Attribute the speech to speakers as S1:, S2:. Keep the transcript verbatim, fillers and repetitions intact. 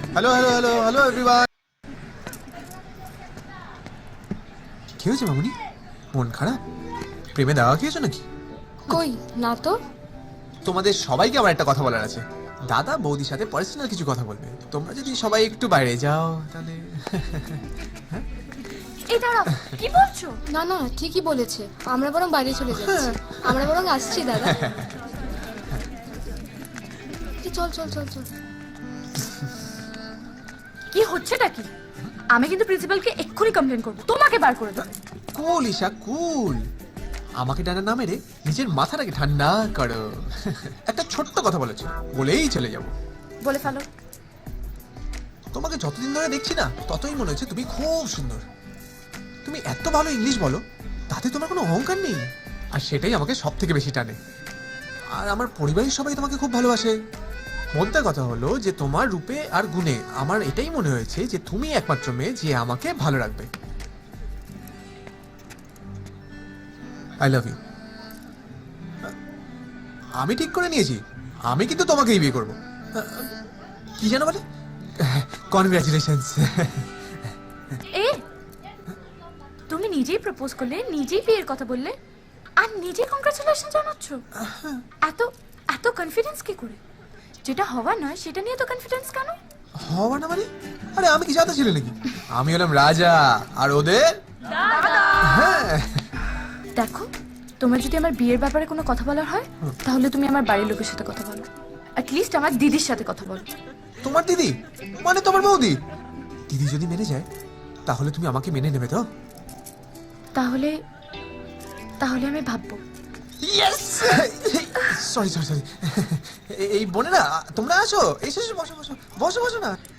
S1: Hello hello hello hello everyone. কি হয়েছে মামুনি? মন খারাপ? প্রেমে দাওয়া খেয়েছো নাকি?
S2: কই না তো।
S1: তোমাদের সবাইকে আমার একটা কথা বলার আছে। দাদা বৌদির সাথে পার্সোনাল কিছু কথা বলবে। তোমরা যদি সবাই একটু বাইরে যাও তাহলে।
S3: এই দাঁড়াও, কি বলছো?
S2: না না ঠিকই বলেছে, আমরা বরং বাইরে চলে যাচ্ছি। আমরা বরং আসছি দাদা। এই চল চল চল চল।
S3: কি হচ্ছেটা কি? আমি কিন্তু প্রিন্সিপালকে এক্ষুনি কমপ্লেন করবো, তোমাকে বার করে দেবে।
S1: কুল ঈশা কুল। আমাকে ডানা না মেরে নিজের মাথাটাকে ঠান্ডা করো। একটা ছোট্ট কথা বলেছো, বলেই চলে যাব।
S3: বলে ফেলো।
S1: তোমাকে যতদিন ধরে দেখছি না ততই মনে হচ্ছে তুমি খুব সুন্দর। তুমি এত ভালো ইংলিশ বলো, তাতে তোমার কোনো অহংকার নেই। আর সেটাই আমাকে সব থেকে বেশি টানে। আর আমার পরিবারের সবাই তোমাকে খুব ভালোবাসে। মোদ্দা কথা হলো যে তোমার রূপে আর গুণে আমার এটাই মনে হয়েছে যে তুমি একমাত্র মেয়ে যে আমাকে ভালো রাখবে। I love you. আমি ঠিক করে নিয়েছি, আমি কিন্তু তোমাকেই বিয়ে করবো। কি জানো বলে? কনগ্রাচুলেশনস।
S3: এ তুমি নিজেই প্রপোজ করলে, নিজেই বিয়ের কথা বললে, আর নিজেই কংগ্রাচুলেশন জানাচ্ছ। এত এত কনফিডেন্স কি করে? যেটা হওয়ার নয় সেটা নিয়ে তো কনফিডেন্স কেন?
S1: হওয়া না মানে? আরে আমি কি জানতে ছিলে নাকি? আমি হলাম রাজা আর ওদের হ্যাঁ।
S3: দেখো, তোমার যদি আমার বিয়ের ব্যাপারে কোনো কথা বলার হয় তাহলে তুমি আমার বাড়ির লোকের সাথে কথা বলো, অ্যাটলিস্ট আমার দিদির সাথে কথা বলো।
S1: তোমার দিদি মানে তোমার বৌদি? দিদি যদি মেনে যায় তাহলে তুমি আমাকে মেনে নেবে তো?
S3: তাহলে তাহলে আমি ভাববো।
S1: ইয়েস। Sorry sorry sorry. এই বোনেরা তোমরা আসো, এসে এসে বসো বসো বসো বসো না।